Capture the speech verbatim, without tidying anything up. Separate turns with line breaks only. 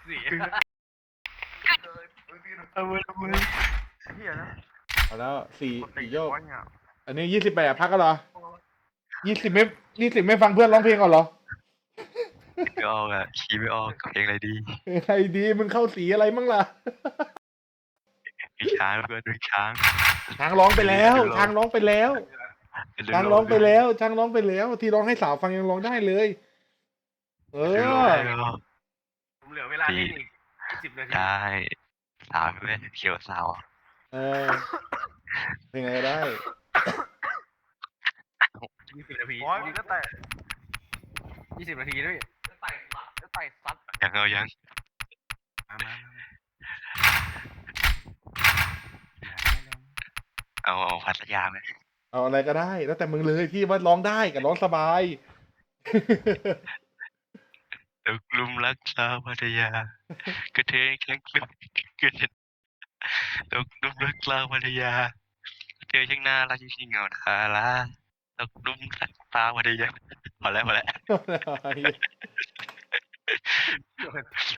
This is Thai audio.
สี่
เอามือเอามือ
เฮียนะ
เอาแล้วสี่
กดตี
สี่โยก
ร้อยเงี้ย
อันนี้ยี่สิบแปดพักก็เหรอยี่สิบไม่ยี่สิบไม่ฟังเพื่อนร้องเพลงก่อนเหรอ
ไม่ออกอ่ะคีย์ไม่ออกเพลงอะไรดี
ไอ้ดีมึงเข้าสีอะไรมั่งล่ะ
มีช้างเพื่อนมีช้าง
ช้างร้องไปแล้วช้างร้องไปแล้วช้างร้องไปแล้วช้างร้องไปแล้ว ที่ร้องให้สาวฟังยังร้องได้เลย เอ
เดี๋ยว
อ
เดี๋ยว
ผมเหลือเวลาเล่นอีกสิบนาที
ได้สาวเพื่อนเขียวสาว
เออเพลงอะไรก็ได้
ยี่สิบนาทีโอ้ยก็แต่ยี่สิบนาทีด้วยก็ไต่ซัดก็ไต่ซัด
ยังเอายัง
มามา
เอาเอาพัทยาไหม
เอาอะไรก็ได้ แล้วแต่มึงเลยที่ว่าร้องได้กับร้องสบาย
ตกลุมรักสาวพัทยากระเทยแข็งกระกระเทยตกลุมรักสาวพัทยากระเทยช่างน่ารักจริงๆเหงาคาราตกลุมรักสาวพัทยาพอแล้วพอแล้ว